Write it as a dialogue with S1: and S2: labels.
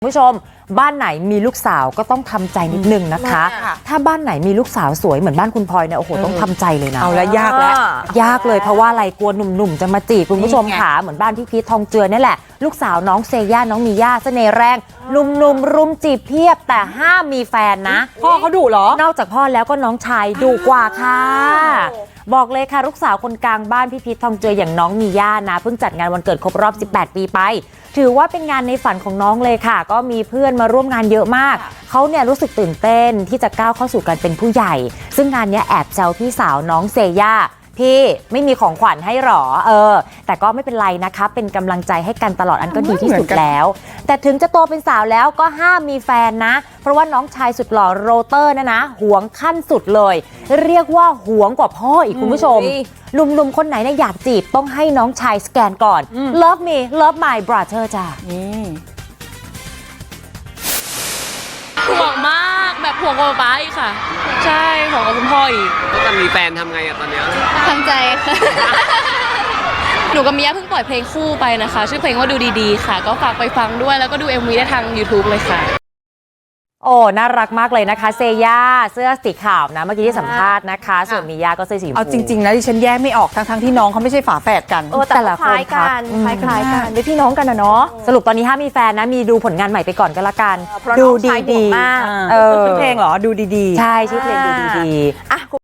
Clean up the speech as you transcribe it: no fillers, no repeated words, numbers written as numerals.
S1: คุณผู้ชมบ้านไหนมีลูกสาวก็ต้องทำใจนิดนึงนะคะถ้าบ้านไหนมีลูกสาวสวยเหมือนบ้านคุณพลอยเนี่ยโอ้โหต้องทำใจเลยนะ
S2: เอาแล้วยากแล้ว
S1: ยากเลยเพราะว่าอะไรกลัวหนุ่มๆจะมาจีบคุณผู้ชมค่ะเหมือนบ้านพี่พีททองเจือนี่แหละลูกสาวน้องเซย่าน้องมีย่าเสน่ห์แรงหนุ่มๆรุมจีบเพียบแต่ห้ามมีแฟนนะ
S2: พ่อเขาดุเหรอน
S1: อกจากพ่อแล้วก็น้องชายดุกว่าค่ะบอกเลยค่ะลูกสาวคนกลางบ้านพี่พีททองเจืออย่างน้องมีย่านะเพิ่งจัดงานวันเกิดครบรอบ18 ปีไปถือว่าเป็นงานในฝันของน้องเลยค่ะก็มีเพื่อนมาร่วมงานเยอะมากเขาเนี่ยรู้สึกตื่นเต้นที่จะก้าวเข้าสู่การเป็นผู้ใหญ่ซึ่งงานนี้แอบแซวพี่สาวน้องเซย่าพี่ไม่มีของขวัญให้หรอแต่ก็ไม่เป็นไรนะคะเป็นกำลังใจให้กันตลอดอันก็ดีที่สุดแล้วแต่ถึงจะโตเป็นสาวแล้วก็ห้ามมีแฟนนะเพราะว่าน้องชายสุดหล่อโรเตอร์นะหวงขั้นสุดเลยเรียกว่าหวงกว่าพ่ออีกคุณผู้ชมหนุ่มๆคนไหนเนี่ยอยากจีบต้องให้น้องชายสแกนก่อน Love me love my brother จ้ะ
S3: ห่วงมากแบบห่วงกับป๊าอีกค่ะใช่ห่วงกับคุณพ่ออีก
S4: แล้วจะมีแฟนทำไงอะตอนเนี้ย
S3: ทำใจค่ะ หนูกับมิยะเพิ่งปล่อยเพลงคู่ไปนะคะชื่อเพลงว่าดูดีๆค่ะก็ฝากไปฟังด้วยแล้วก็ดู MV ได้ทาง YouTube เลยค่ะ
S1: โอ้น่ารักมากเลยนะคะเซย่าเสื้อสีขาวนะเมื่อกี้ที่สัมภาษณ์นะคะส่วนมีย่าก็เสื้อสีชมพู
S2: เอาจริงๆนะดิฉันแยกไม่ออกทั้งที่น้องเขาไม่ใช่ฝาแฝดกัน
S1: แต่ละคนคล้ายกันเป็นพี่น้องกันนะเนาะสรุปตอนนี้ห้ามมีแฟนนะมีดูผลงานใหม่ไปก่อนก็แล้วกันดูดีๆ
S2: ชื่อเพลงเหรอดูดีๆ
S1: ใช่ชื่อเพลงดูดีๆ